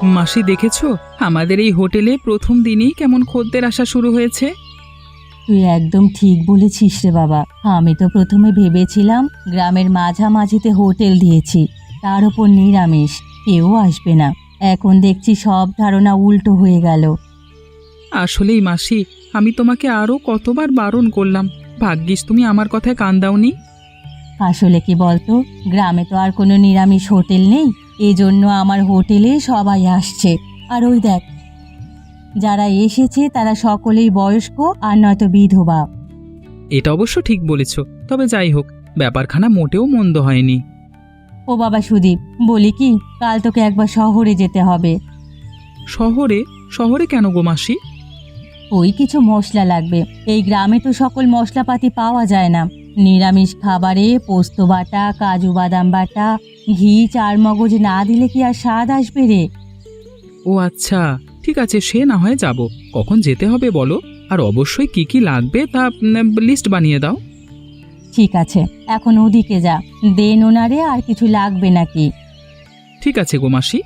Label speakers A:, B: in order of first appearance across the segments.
A: মাসি দেখেছো আমাদের এই হোটেলে প্রথম দিনেই কেমন খদ্দের আসা শুরু হয়েছে।
B: তুই একদম ঠিক বলেছিস রে বাবা। আমি তো প্রথমে ভেবেছিলাম গ্রামের মাঝামাঝিতে হোটেল দিয়েছি, তার ওপর নিরামিষ, কেউ আসবে না। এখন দেখছি সব ধারণা উল্টো হয়ে গেল।
A: আসলেই মাসি, আমি তোমাকে আরো কতবার বারণ করলাম, ভাগ্যিস তুমি আমার কথায় কান দাওনি।
B: আসলে কি বলতো, গ্রামে তো আর কোনো নিরামিষ হোটেল নেই, এজন্য আমার হোটেলে সবাই আসছে। আর ওই দেখ, যারা এসেছে তারা সকলেই বয়স্ক আর নয়তো বিধবা।
A: এটা অবশ্য ঠিক বলেছ, তবে যাই হোক, ব্যাপারখানা মোটেও মন্দ হয়নি।
B: ও বাবা সুদীপ, বলি কি, কাল তোকে একবার শহরে যেতে হবে।
A: শহরে? শহরে কেন গো মাসি?
B: ওই কিছু মশলা লাগবে, এই গ্রামে তো সকল মশলাপাতি পাওয়া যায় না। নিরামিষ খাবারে পোস্ত বাটা, কাজু বাদাম বাটা, ঘি, চার মগজ না দিলে কি আর স্বাদ আসবে রে?
A: ও আচ্ছা, ঠিক আছে, সে না হয় যাব। কখন যেতে হবে বলো, আর অবশ্যই কি কি লাগবে তা লিস্ট বানিয়ে দাও।
B: ঠিক আছে, এখন ওদিকে যা, দেন ওনারে আর কিছু লাগবে নাকি।
A: ঠিক আছে গো মাসি।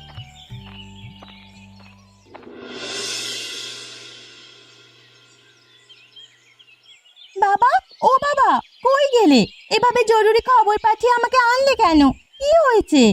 B: বাবা, ও বাবা, কই গেলে? এভাবে জরুরি খবর পাঠিয়ে আমাকে আনলে কেন? কি হয়েছে?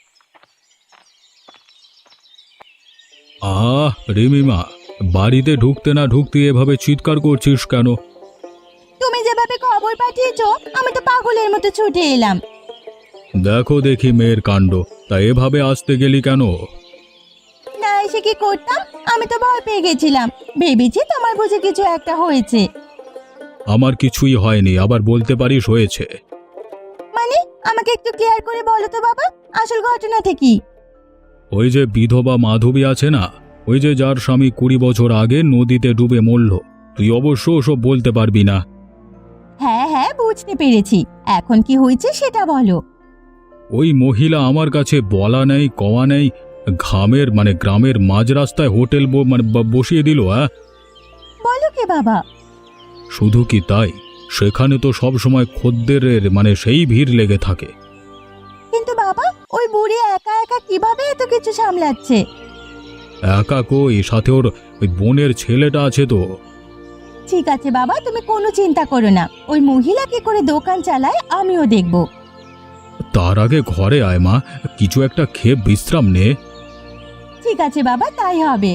C: রিমিমা, বাড়িতে ঢুকতে না ঢুকতে এভাবে চিৎকার করছিস কেন?
B: তুমি যেভাবে খবর পাঠিয়েছো, আমি তো পাগলের মতো ছুটে এলাম।
C: দেখো দেখি মেয়ের কাণ্ড, তা এভাবে আসতে গেলি কেন?
B: না এসে কি করতাম, আমি তো ভয় পেয়ে গেছিলাম, ভেবেছি তোমার বুঝে কিছু একটা হয়েছে।
C: আমার কিছুই হয়নি, আবার বলতে পারিস হয়েছে?
B: মানে, আমাকে একটু ক্লিয়ার করে বলো তো বাবা, আসল ঘটনাটা কি?
C: ওই যে বিধবা মাধবী আছে না, ওই যে যার স্বামী 20 বছর আগে নদীতে ডুবে মরল, তুই অবশ্য ওসব বলতে পারবি না।
B: হ্যাঁ হ্যাঁ, বুঝতে পেরেছি, এখন কি হয়েছে সেটা বলো।
C: ওই মহিলা আমার কাছে বলা নেই কওয়া নেই, গ্রামের মাঝ রাস্তায় হোটেল বসিয়ে দিল।
B: বলো কে বাবা?
C: শুধু কি তাই, সেখানে তো সব সময় খদ্দেরের সেই ভিড় লেগে থাকে।
B: কিন্তু বাবা, ওই বুড়ি একা একা কিভাবে এত কিছু সামলাচ্ছে?
C: একা কই, সাথে ওর ওই বোনের ছেলেটা আছে তো।
B: ঠিক আছে বাবা, তুমি কোনো চিন্তা করো না, ওই মহিলা কি করে দোকান চালায় আমিও দেখব।
C: তার আগে ঘরে আয় মা, কিছু একটা খেয়ে বিশ্রাম নে।
B: ঠিক আছে বাবা, তাই হবে।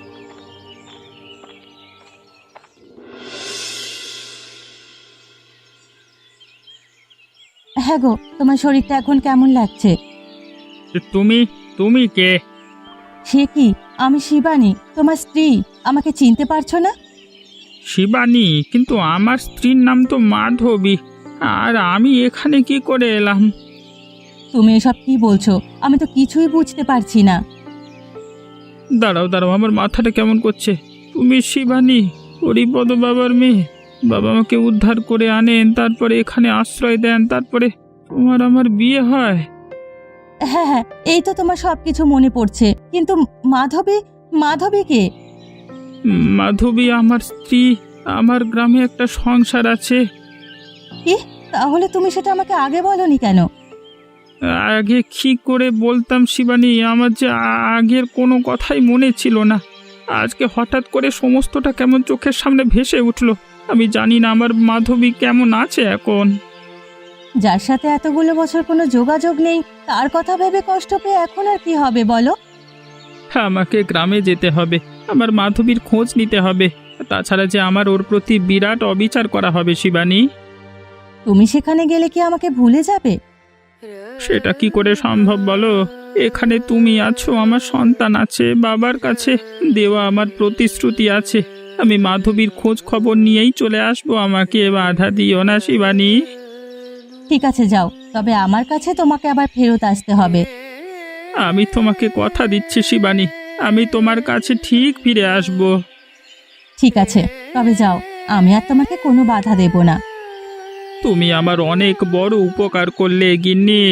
B: হ্যাঁ গো, তোমার শরীরটা এখন কেমন লাগছে?
A: তুমি তুমি কে?
B: সে কি, আমি শিবানী, তোমার স্ত্রী। আমাকে চিনতে পারছো না?
A: শিবানী? কিন্তু আমার স্ত্রীর নাম তো মাধবী, আর আমি এখানে কি করে এলাম?
B: তুমি এসব কি বলছো? আমি তো কিছুই বুঝতে পারছি না।
A: দাঁড়াও দাঁড়াও, আমার মাথাটা কেমন করছে। তুমি শিবানী, হরিপদ বাবার মেয়ে? বাবা আমাকে উদ্ধার করে আনেন, তারপরে এখানে আশ্রয় দেন, তারপরে তোমার আমার বিয়ে হয়।
B: হ্যাঁ হ্যাঁ, এই তো তোমার সবকিছু মনে পড়ছে, কিন্তু মাধবী, মাধবী কে?
A: মাধবী আমার স্ত্রী, আমার গ্রামে একটা সংসার আছে।
B: কি? তাহলে তুমি সেটা আমাকে আগে বলনি কেন?
A: আগে কি করে বলতাম শিবানী, আমার যে আগের কোনো কথাই মনে ছিল না। আজকে হঠাৎ করে সমস্তটা কেমন চোখের সামনে ভেসে উঠলো। আমি জানি না আমার মাধবী কেমন আছে এখন।
B: যার সাথে এতগুলো বছর কোনো যোগাযোগ নেই, তার কথা ভেবে কষ্ট পেয়ে এখন আর কি হবে বলো?
A: আমাকে গ্রামে যেতে হবে, আমার মাধবীর খোঁজ নিতে হবে, তাছাড়া যে আমার ওর প্রতি বিরাট অবিচার করা হবে শিবানী।
B: তুমি সেখানে গেলে কি আমাকে ভুলে যাবে?
A: সেটা কি করে সম্ভব বলো? এখানে তুমি আছো, আমার সন্তান আছে, বাবার কাছে দেওয়া আমার প্রতিশ্রুতি আছে। আমি মাধবীর খোঁজ খবর নিয়েই চলে আসবো, আমাকে বাধা দিও না শিবানী।
B: ঠিক আছে যাও, তবে আমার কাছে তোমাকে আবার ফেরত আসতে হবে।
A: আমি তোমাকে কথা দিচ্ছি শিবানী, আমি তোমার কাছে ঠিক ফিরে আসবো।
B: ঠিক আছে, তবে যাও, আমি আর তোমাকে কোনো বাধা দেব না।
A: তুমি আমার অনেক বড় উপকার করলে গিন্নি।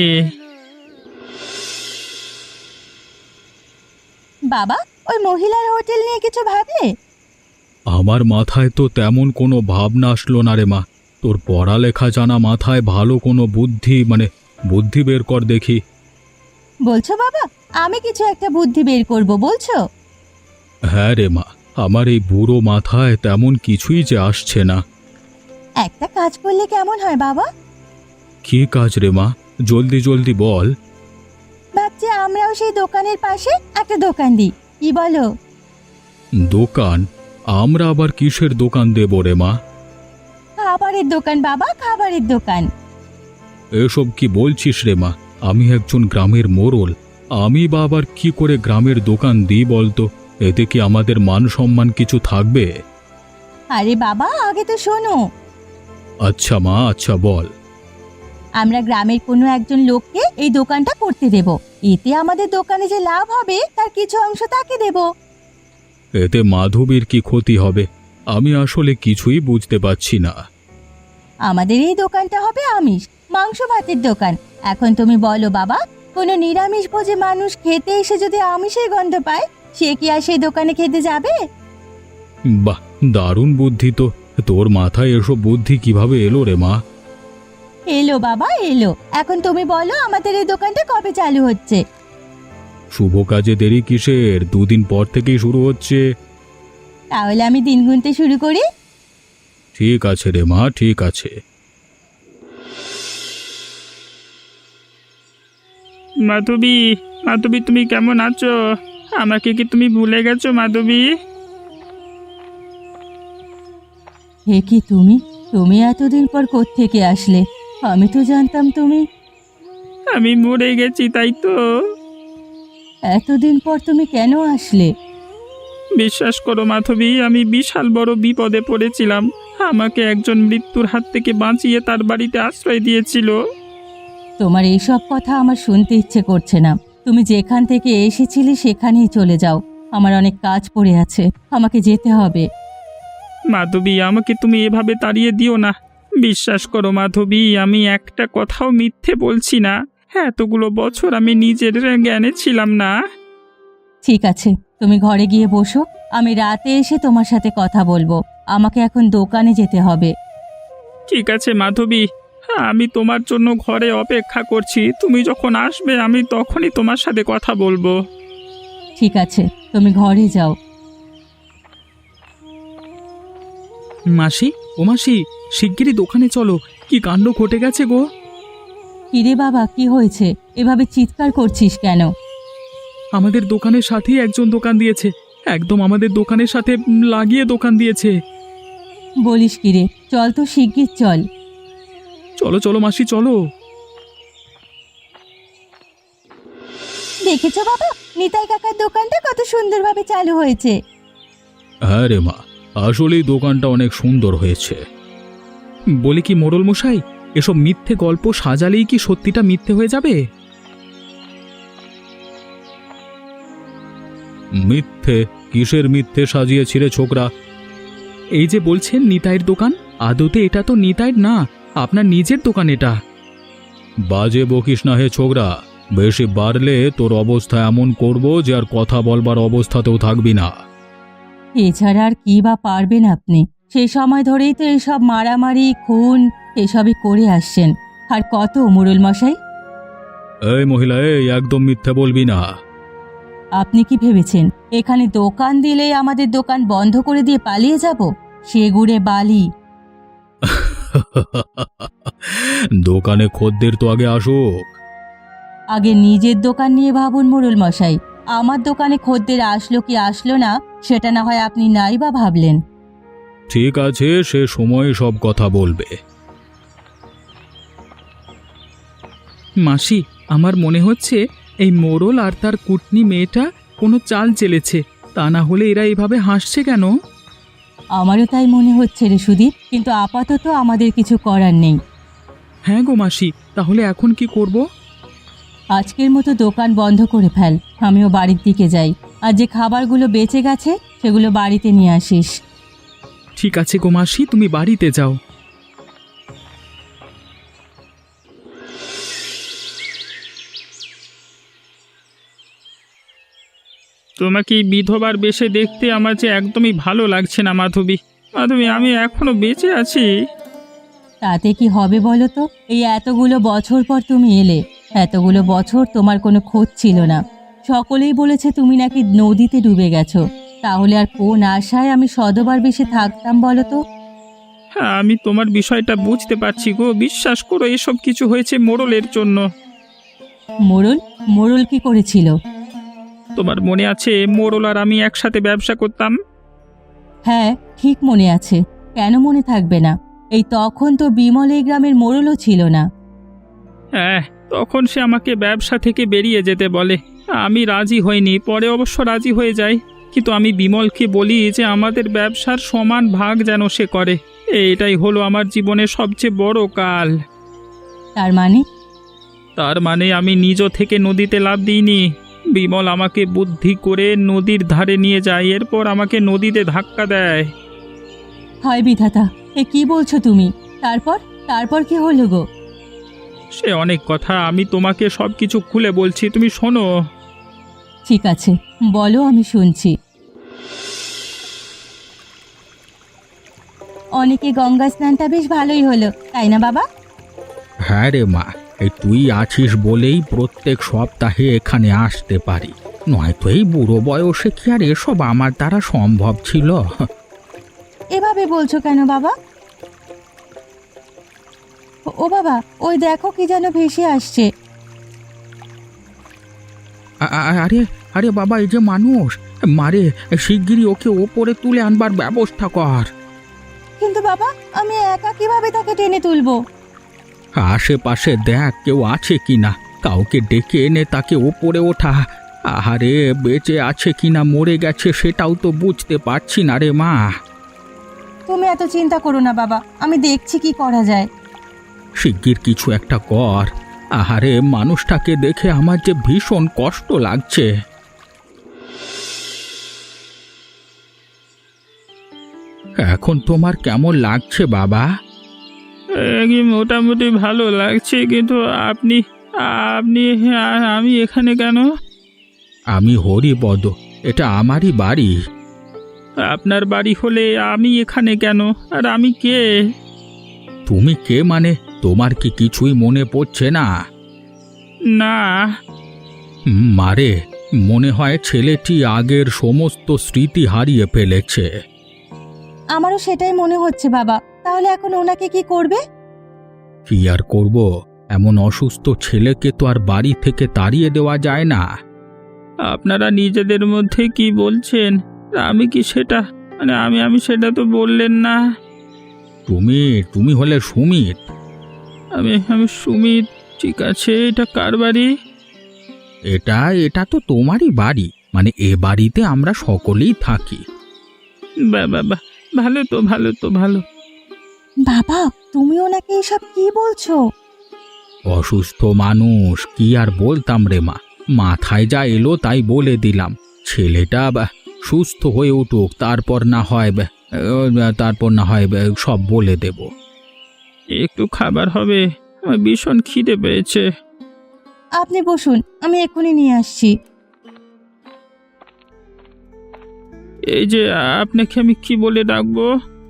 B: বাবা, ওই মহিলার হোটেল নিয়ে কিছু ভাবলে?
C: আমার মাথায় তো তেমন কোনো ভাবনা আসলো না রে মা। তোর পড়ালেখা জানা মাথায় ভালো কোনো বুদ্ধি বুদ্ধি বের কর দেখি।
B: বলছো বাবা, আমি কিছু একটা বুদ্ধি বের করব বলছো?
C: হ্যাঁ রে মা, আমার এই বুড়ো মাথায় তেমন কিছুই যে আসছে না।
B: একটা কাজ করলে কেমন হয় বাবা?
C: কি কাজ রে মা, জলদি জলদি বল।
B: ভাবছি আমরাও সেই দোকানের পাশে একটা দোকান দিই, কি বলো?
C: দোকান? আমরা আবার কিসের দোকান দেব রে মা?
B: খাবারের দোকান বাবা, খাবারের দোকান।
C: এসব কি বলছিস রে মা? আমি একজন গ্রামের মোড়ল, আমি বা আবার কি করে গ্রামের দোকান দিই বলতো? এতে কি আমাদের মান সম্মান কিছু থাকবে?
B: আরে বাবা আগে তো শোনো।
C: আচ্ছা মা, আচ্ছা বল।
B: আমরা গ্রামের কোনো একজন লোককে এই দোকানটা করতে দেব। এতে আমাদের দোকানে যে লাভ হবে তার কিছু অংশ তাকে দেব।
C: এতে মাধবীর কি ক্ষতি হবে? আমি আসলে কিছুই বুঝতে পারছি না।
B: আমাদের এই দোকানটা হবে আমিষ মাংস ভাতের দোকান। এখন তুমি বলো বাবা, কোনো নিরামিষ ভোজে মানুষ খেতে এসে যদি আমিষের গন্ধ পায়, সে কি আর সেই দোকানে খেতে যাবে?
C: বাহ, দারুণ বুদ্ধি তো। তোর মাথায় এসব বুদ্ধি কিভাবে এলো রে মা?
B: এলো বাবা এলো। এখন তুমি বলো আমাদের এই দোকানটা কবে চালু হচ্ছে?
C: শুভ কাজে দেরি কিসের? দুদিন পর থেকেই শুরু হচ্ছে।
B: তাহলে আমি দিন গুনতে শুরু করি।
C: ঠিক আছে রে মা, ঠিক আছে।
A: মাধবী, মাধবী তুমি কেমন আছো? আমাকে কি তুমি ভুলে গেছো মাধবী?
B: হে কি তুমি? তুমি এতদিন পর কোত্থেকে আসলে? আমি তো জানতাম তুমি।
A: আমি মরে গেছি তাই তো।
B: এতদিন পর তুমি কেন আসলে?
A: বিশ্বাস করো মাধবী, আমি বিশাল বড় বিপদে পড়েছিলাম। আমাকে একজন মৃত্যুর হাত থেকে বাঁচিয়ে তার বাড়িতে আশ্রয় দিয়েছিল।
B: তোমার এইসব কথা আমার শুনতে ইচ্ছে করছে না। তুমি যেখান থেকে এসেছিলে সেখানেই চলে যাও। আমার অনেক কাজ পড়ে আছে, আমাকে যেতে হবে।
A: মাধবী, আমাকে তুমি এভাবে তাড়িয়ে দিও না। বিশ্বাস করো মাধবী, আমি একটা কথাও মিথ্যে বলছি না। এতগুলো বছর আমি নিজের জ্ঞানে ছিলাম না।
B: ঠিক আছে, তুমি ঘরে গিয়ে বসো। আমি রাতে এসে তোমার সাথে কথা বলবো। আমাকে এখন দোকানে যেতে হবে।
A: ঠিক আছে মাধবী, আমি তোমার জন্য ঘরে অপেক্ষা করছি। তুমি যখন আসবে আমি তখনই তোমার সাথে কথা বলবো।
B: ঠিক আছে, তুমি ঘরে যাও।
A: মাসি, ও মাসি, শিগগিরই দোকানে চলো। কি কাণ্ড ঘটে গেছে গো!
B: কিরে বাবা, কি হয়েছে? এভাবে চিৎকার করছিস কেন?
A: আমাদের দোকানের সাথেই একজন দোকান দিয়েছে। একদম আমাদের দোকানের সাথে লাগিয়ে দোকান দিয়েছে।
B: বলিস কিরে? চল তো শিগগির চল।
A: চলো চলো মাসি, চলো।
B: দেখেছো বাবা, নিতাই কাকার দোকানটা কত সুন্দরভাবে চালু হয়েছে।
C: হ্যাঁ রে মা, আসলেই দোকানটা অনেক সুন্দর হয়েছে।
A: বলি কি মোড়ল মশাই, এসব মিথ্যে গল্প সাজালেই কি সত্যিটা মিথ্যে হয়ে যাবে?
C: মিথ্যে? কিসের মিথ্যে সাজিয়েছি রে ছোকরা?
A: এই যে বলছেন নিতাইয়ের দোকান, আদতে এটা তো নিতাইয়ের না, আপনার নিজের দোকান এটা।
C: বাজে বকিস না হে ছোকরা। বেশি বাড়লে তোর অবস্থা এমন করব যে আর কথা বলবার অবস্থাতেও থাকবি না।
B: এছাড়া আর কি বা পারবেন আপনি? সেই সময় ধরেই তো এসব মারামারি খুন এসবই করে আসছেন। আর কত মুরুল মশাই?
C: এই মহিলা, এই একদম মিথ্যে বলবি না।
B: আপনি কি ভেবেছেন এখানে দোকান দিলেই আমাদের দোকান বন্ধ করে দিয়ে পালিয়ে যাব? সে গুড়ে বালি।
C: দোকানে খদ্দের তো আগে আসুক।
B: আগে নিজের দোকান নিয়ে ভাবুন মুরুল মশাই। আমার দোকানে খদ্দের আসলো কি আসলো না সেটা না হয় আপনি নাই বা ভাবলেন।
C: ঠিক আছে, সে সময় সব কথা বলবে।
A: মাসি, আমার মনে হচ্ছে এই মোড়ল আর তার কুটনি মেয়েটা কোনো চাল চেলেছে। তা না হলে এরা এভাবে হাসছে কেন?
B: আমারও তাই মনে হচ্ছে রে সুদীপ, কিন্তু আপাতত আমাদের কিছু করার নেই।
A: হ্যাঁ গো মাসি, তাহলে এখন কি করব?
B: আজকের মতো দোকান বন্ধ করে ফেল। আমিও বাড়ির দিকে যাই। আর যে খাবারগুলো বেঁচে গেছে সেগুলো বাড়িতে নিয়ে আসিস।
A: ঠিক আছে গো মাসি, তুমি বাড়িতে যাও। তোমাকে এই বিধবার বেশে দেখতে আমার যে একদমই ভালো লাগছে না মাধবী। মাধবী, আমি এখনো বেঁচে আছি।
B: তাতে কি হবে বলো তো? এই এতগুলো বছর পর তুমি এলে, এতগুলো বছর তোমার কোনো খোঁজ ছিল না। সকলেই বলেছে তুমি নাকি নদীতে ডুবে গেছো। তাহলে আর কোন আশায় আমি সদবার বেশে থাকতাম বলো তো?
A: হ্যাঁ, আমি তোমার বিষয়টা বুঝতে পারছি গো। বিশ্বাস করো, এসব কিছু হয়েছে মোড়লের জন্য।
B: মোড়ল? মোড়ল কি করেছিল?
A: তোমার মনে আছে মোড়ল আর আমি একসাথে ব্যবসা করতাম?
B: হ্যাঁ, ঠিক মনে আছে। কেন মনে থাকবে না? এই তখন তো বিমল এই গ্রামের মোড়লও ছিল না।
A: হ্যাঁ, তখন সে আমাকে ব্যবসা থেকে বেরিয়ে যেতে বলে। আমি রাজি হইনি, পরে অবশ্য রাজি হয়ে যাই। কিন্তু আমি বিমলকে বলি যে আমাদের ব্যবসার সমান ভাগ যেন সে করে। এটাই হলো আমার জীবনের সবচেয়ে বড় কাল।
B: তার মানে?
A: তার মানে আমি নিজ থেকে নদীতে লাফ দিইনি। বিমল আমাকে বুদ্ধি করে নদীর ধারে নিয়ে যায়, এরপর আমাকে নদীতে ধাক্কা দেয়।
B: হয় বিধাতা, এ কি বলছো তুমি? তারপর তারপর কি হলো গো?
A: সে অনেক কথা, আমি তোমাকে সব কিছু খুলে বলছি, তুমি শোনো।
B: ঠিক আছে, বলো, আমি শুনছি। অনেকে গঙ্গা স্নানটা বেশ ভালোই হলো, তাই না বাবা?
C: হ্যাঁ রে মা, এই তুই আছিস বলেই প্রত্যেক সপ্তাহে এখানে আসতে পারি, নয়তো এই বুড়ো বয়সে কি আর এসব আমার দ্বারা সম্ভব ছিল?
B: এভাবে বলছো কেন বাবা? ও বাবা, ওই দেখো কি যেন ভেসে আসছে।
C: আরে আরে বাবা, এই যে মানুষ! মারে, শিগগিরই ওকে ওপরে তুলে আনবার ব্যবস্থা কর।
B: কিন্তু বাবা, আমি একা কিভাবে তাকে টেনে তুলবো?
C: আশেপাশে দেখ কেউ আছে কিনা, কাউকে ডেকে এনে তাকে ওপরে ওঠা। আহারে, বেঁচে আছে কিনা মরে গেছে সেটাও তো বুঝতে পারছি না রে মা।
B: তুমি এত চিন্তা করো না বাবা, আমি দেখছি কি করা যায়।
C: শিগগির কিছু একটা কর। আহারে, মানুষটাকে দেখে আমার যে ভীষণ কষ্ট লাগছে। এখন তোমার কেমন লাগছে বাবা?
A: মোটামুটি ভালো লাগছে, কিন্তু আপনি আপনি আমি এখানে কেন?
C: আমি হরিপদ, এটা আমারই বাড়ি।
A: আপনার বাড়ি হলে আমি এখানে কেন? আর আমি কে?
C: তুমি কে মানে? তোমার কি কিছুই মনে পড়ছে না?
A: না।
C: মারে, মনে হয় ছেলেটি আগের সমস্ত স্মৃতি হারিয়ে ফেলেছে।
B: আমারও সেটাই মনে হচ্ছে বাবা। তাহলে এখন ওনাকে কি করবে?
C: কি আর করব, এমন অসুস্থ ছেলেকে তো আর বাড়ি থেকে তাড়িয়ে দেওয়া যায় না।
A: আপনারা নিজেদের মধ্যে কি বলছেন? আমি কি সেটা, মানে আমি সেটা তো বললেন না।
C: তুমি হলে সুমিত।
A: আমি সুমিত। ঠিক আছে, এটা কার বাড়ি?
C: এটা তো তোমারই বাড়ি, মানে এ বাড়িতে আমরা সকলেই থাকি।
A: বাবা, ভালো তো, ভালো তো, ভালো।
B: বাবা, তুমি ওনাকে এসব কি বলছো?
C: অসুস্থ মানুষ, কি আর বলতাম রে মা, মাথায় যা এলো তাই বলে দিলাম। ছেলেটা সুস্থ হয়ে উঠুক, তারপর না হয় সব বলে দেব।
A: একটু খাবার হবে? আমার ভীষণ খিদে পেয়েছে।
B: আপনি বসুন, আমি এক্ষুনি নিয়ে আসছি।
A: এই যে, আপনাকে আমি কি বলে ডাকবো?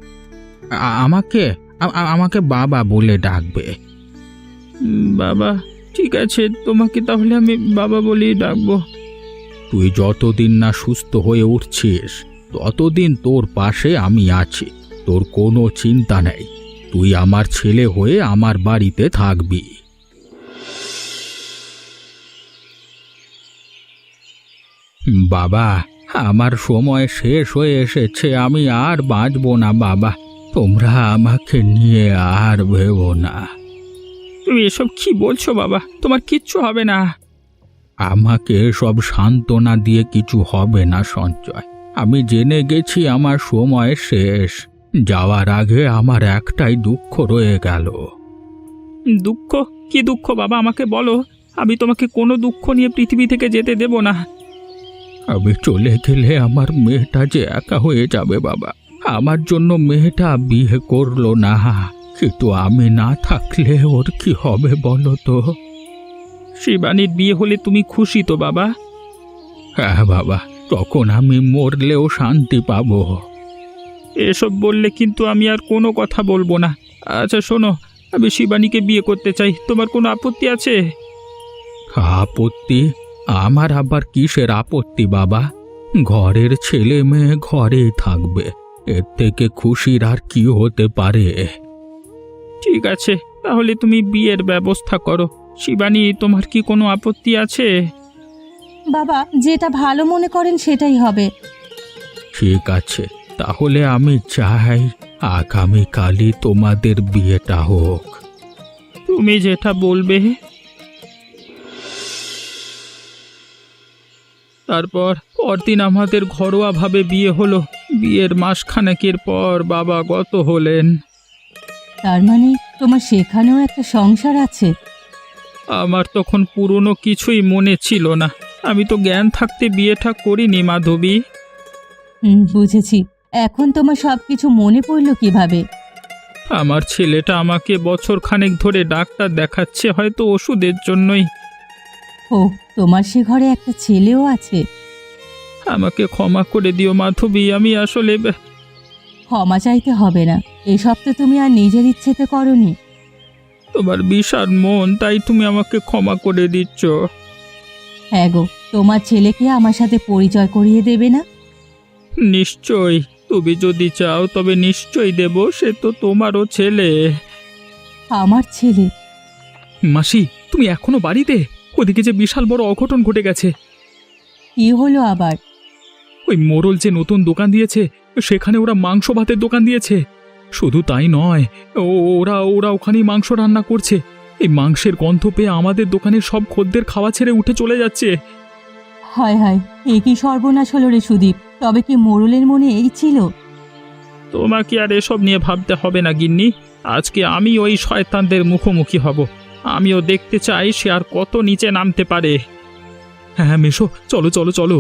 C: আমাকে বাবা বলে ডাকবে।
A: বাবা, ঠিক আছে, তোমাকে তাহলে আমি বাবা বলেই ডাকবো।
C: তুই যতদিন না সুস্থ হয়ে উঠছিস ততদিন তোর পাশে আমি আছি, তোর কোনো চিন্তা নেই। তুই আমার ছেলে হয়ে আমার বাড়িতে থাকবি। বাবা, আমার সময় শেষ হয়ে এসেছে, আমি আর বাঁচব না বাবা। তোমরা আমাকে নিয়ে আর ভেবো না।
A: তুমি এসব কি বলছো বাবা? তোমার কিচ্ছু হবে না।
C: আমাকে সব সান্ত্বনা দিয়ে কিছু হবে না সঞ্জয়। আমি জেনে গেছি আমার সময় শেষ। যাওয়ার আগে আমার একটাই দুঃখ রয়ে গেল।
A: দুঃখ? কি দুঃখ বাবা, আমাকে বলো। আমি তোমাকে কোনো দুঃখ নিয়ে পৃথিবী থেকে যেতে দেব না।
C: আমি চলে গেলে আমার মেয়েটা যে একা হয়ে যাবে বাবা। আমার জন্য মেয়েটা বিয়ে করলো না, কিন্তু আমি না থাকলে ওর কি হবে বলো তো?
A: শিবানীর বিয়ে হলে তুমি খুশি তো বাবা?
C: হ্যাঁ বাবা, তখন আমি মরলেও শান্তি পাবো।
A: এসব বললে কিন্তু আমি আর কোনো কথা বলবো না। আচ্ছা শোনো, আমি শিবানীকে বিয়ে করতে চাই, তোমার কোনো আপত্তি আছে?
C: আপত্তি? আমার আবার কিসের আপত্তি বাবা? ঘরের ছেলে মেয়ে ঘরেই থাকবে, এর থেকে খুশির আর কি হতে পারে?
A: ঠিক আছে, তাহলে তুমি বিয়ের ব্যবস্থা করো। শিবানী, তোমার কি কোনো আপত্তি আছে?
B: বাবা, যেটা ভালো মনে করেন সেটাই হবে।
C: ঠিক আছে, তাহলে আমি চাই আগামীকালই তোমাদের বিয়েটা হোক।
A: তুমি যেটা বলবে। তারপর পরদিন আমাদের ঘরোয়াভাবে বিয়ে হলো। বিয়ের মাসখানেকের পর বাবা গত হলেন।
B: তার মানে তোমার সেখানেও একটা সংসার আছে?
A: আমার তখন পুরনো কিছুই মনে ছিল না। আমি তো জ্ঞান থাকতে বিয়েটা করিনি মাধবী।
B: বুঝেছি। এখন তোমার সবকিছু মনে পড়লো কিভাবে?
A: আমার ছেলেটা আমাকে বছর খানেক ধরে ডাক্তার দেখাচ্ছে, হয়তো ওষুধের জন্যই।
B: ও, তোমার সে ঘরে একটা ছেলেও আছে?
A: আমাকে ক্ষমা করে দিও মাধবী, আমি আসলে
B: ক্ষমা চাইতে হবে না, এসব তো তুমি আর নিজের ইচ্ছেতে করনি।
A: তোমার বিশাল মন, তাই তুমি আমাকে ক্ষমা করে দিচ্ছ।
B: হ্যাঁ গো, তোমার ছেলেকে আমার সাথে পরিচয় করিয়ে দেবে না?
A: নিশ্চয়ই, তুমি যদি চাও তবে নিশ্চয়ই দেব। সে তো তোমারও ছেলে।
B: আমার ছেলে?
C: মাসি, তুমি এখনো বাড়িতে? ওদিকে যে বিশাল বড় অঘটন ঘটে গেছে।
B: কি হলো আবার?
C: ওই মোড়ল যে নতুন দোকান দিয়েছে, সেখানে ওরা মাংস ভাতের দোকান দিয়েছে। শুধু তাই নয়, ওরা ওরা ওখানেই মাংস রান্না করছে। এই মাংসের গন্ধ পেয়ে আমাদের দোকানের সব খদ্দের খাওয়া ছেড়ে উঠে চলে যাচ্ছে।
B: হায় হায়, এ কি সর্বনাশ হলো রে সুদীপ! তবে কি মোড়লের মনে এই ছিল?
A: তোমাকে আর এসব নিয়ে ভাবতে হবে না গিন্নি। আজকে আমি ওই শয়তানদের মুখোমুখি হব। আমিও দেখতে চাই সে আর কত নিচে নামতে পারে।
C: হ্যাঁ মেশো, চলো চলো চলো।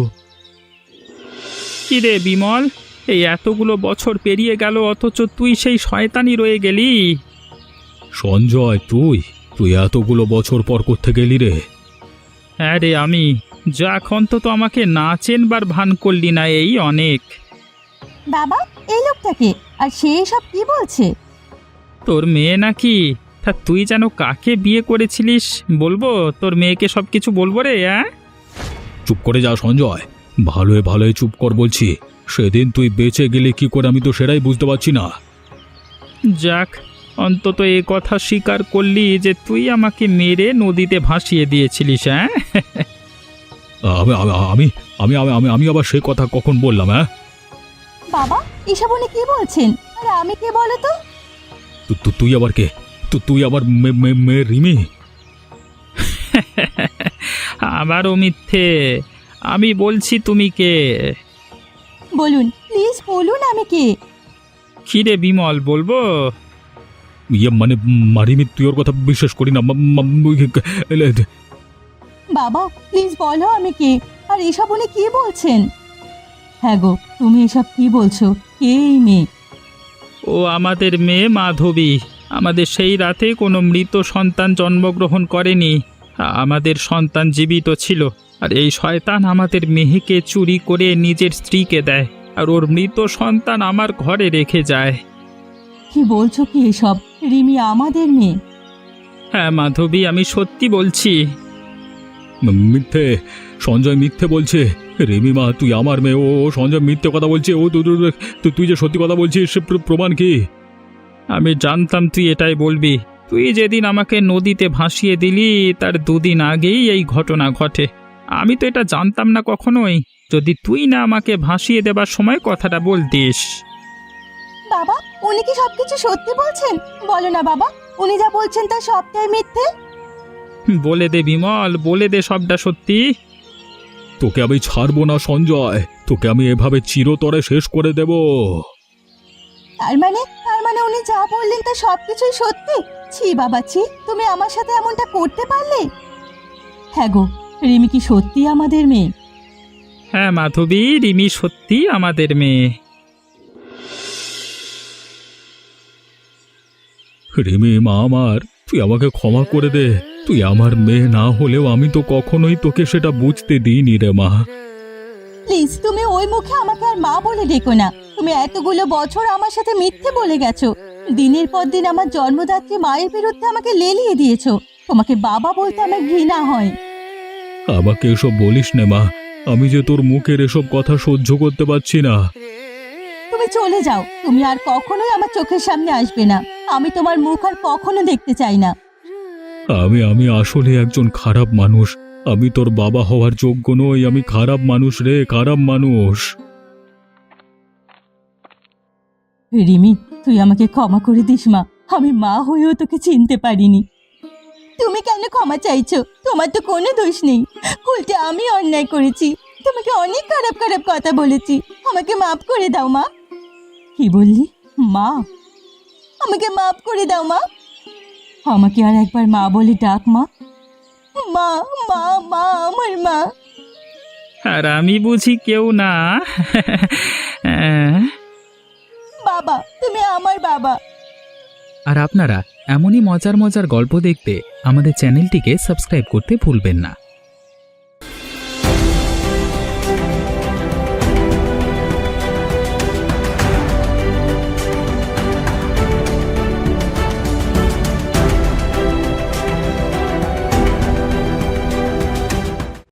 A: কি রে বিমল, এই এতগুলো বছর পেরিয়ে গেল, অথচ তুই সেই শয়তানি রয়ে গেলি।
C: সঞ্জয়, তুই তুই এতগুলো বছর পর করতে গেলি রে?
A: হ্যাঁ রে, আমি যাক, অন্তত আমাকে না চেনবার ভান করলি না, এই অনেক।
B: বাবা, এই লোকটাকে আর সে সব কি বলছে?
A: তোর মেয়ে নাকি? তা তুই যেন কাকে বিয়ে করেছিলিস বলবো? তোর মেয়েকে সব কিছু বলবো রে? হ্যাঁ,
C: চুপ করে যা সঞ্জয়, ভালোই ভালোই চুপ কর বলছি। সেদিন তুই বেঁচে গেলে কি করে আমি তো সেটাই বুঝতে পারছি না।
A: যাক, অন্তত এ কথা স্বীকার করলি যে তুই আমাকে মেরে নদীতে ভাসিয়ে দিয়েছিলিস। হ্যাঁ,
C: আমি আমি আমি আমি আমি আমি আবার সে কথা কখন বললাম? হ্যাঁ,
B: বাবা, এসব উনি কি বলছেন? আর আমি কে বলো তো?
C: তুই আবার কে? তুই আবার মেয়ে রিমি?
A: আবারও মিথ্যে। আমি বলছি তুমি কে।
B: বলুন, প্লিজ বলুন, আমি কে?
A: খিরে বিমল, বলবো?
C: মানে রিমি, তুই ওর কথা বিশ্বাস করি না।
B: বাবা, প্লিজ বলো আমি কে। আর এসব উনি কি বলছেন? হ্যাঁ গো, তুমি এসব কি বলছো? কে এই মেয়ে?
A: ও আমাদের মেয়ে মাধবী। আমাদের সেই রাতে কোনো মৃত সন্তান জন্মগ্রহণ করেনি। আমাদের সন্তান জীবিত ছিল। আর এই শয়তান আমাদের মেয়েকে চুরি করে নিজের স্ত্রীকে দেয়, আর ওর মৃত সন্তান আমার ঘরে রেখে যায়।
B: কি বলছো কি এসব? রিমি আমাদের মেয়ে?
C: হ্যাঁ মাধবী, আমি সত্যি বলছি। মিথ্যে, সঞ্জয় মিথ্যে বলছে। রিমি মা, তুই আমার মেয়ে। ও সঞ্জয় মিথ্যে কথা বলছে। ও তুই যে সত্যি কথা বলছিস, সে প্রমাণ কি?
A: আমি জানতাম তুই এটাই বলবি। তুই যেদিন আমাকে নদীতে ভাসিয়ে দিলি তার দুদিন আগেই এই ঘটনা ঘটে। আমি তো এটা জানতাম না কখনোই। যদি তুই না আমাকে ভাসিয়ে দেবার সময় কথাটা বলতিস।
B: বাবা, উনি কি সবকিছু সত্যি বলছেন? বলো না বাবা, উনি যা বলছেন তা সবটাই মিথ্যে।
A: বলে দে বিমল, বলে দে সবটা সত্যি।
C: তোকে আমি ছাড়বো না সঞ্জয়, তোকে আমি এভাবে চিরতরে শেষ করে দেব।
B: তার মানে উনি যা বললেন তা সবকিছুই সত্যি? ছি বাবা ছি, তুমি আমার সাথে এমনটা করতে পারলে? হ্যাঁ গো, রিমি কি সত্যি আমাদের মেয়ে?
A: হ্যাঁ মাধবী, রিমি সত্যি আমাদের মেয়ে।
C: রিমি মা আমার, তুই আমাকে ক্ষমা করে দে। তুই আমার মেয়ে না হলেও আমি তো কখনোই তোকে সেটা বুঝতে দিইনি রে মা।
B: প্লিজ, তুমি ওই মুখে আমাকে আর মা বলে ডেকো না। তুমি এতগুলো বছর আমার সাথে মিথ্যে বলে গেছো। দিনের পর দিন আমার জন্মদাত্রী মায়ের বিরুদ্ধে আমাকে লেলিয়ে দিয়েছো। তোমাকে বাবা বলতে আমার ঘৃণা হয়।
C: আমাকে এসব বলিস নে মা, আমি যে তোর মুখের এসব কথা সহ্য করতে পারছি না।
B: তুমি চলে যাও, তুমি আর কখনোই আমার চোখের সামনে আসবে না। আমি তোমার মুখ আর কখনো দেখতে চাই না।
C: আমি আসলে একজন খারাপ মানুষ। আমি তোর বাবা হওয়ার যোগ্য নই, আমি খারাপ মানুষ রে, খারাপ মানুষ।
B: রিমি, তুই আমাকে ক্ষমা করে দিস মা, আমি মা হয়েও তোকে চিনতে পারিনি। তুমি কেন ক্ষমা চাইছো? তোমার তো কোনো দোষ নেই, উল্টে আমি অন্যায় করেছি, তোমাকে অনেক খারাপ খারাপ কথা বলেছি। আমাকে মাফ করে দাও মা। কি বললি? মা? আমাকে মাফ করে দাও মা। আমাকে আর একবার মা বলে ডাক মা। মা, মা, মা, আমার মা।
A: আর আমি বুঝি কেউ না?
B: বাবা, তুমি আমার বাবা।
A: আর আপনারা এমনই মজার মজার গল্প দেখতে আমাদের চ্যানেলটিকে সাবস্ক্রাইব করতে ভুলবেন না।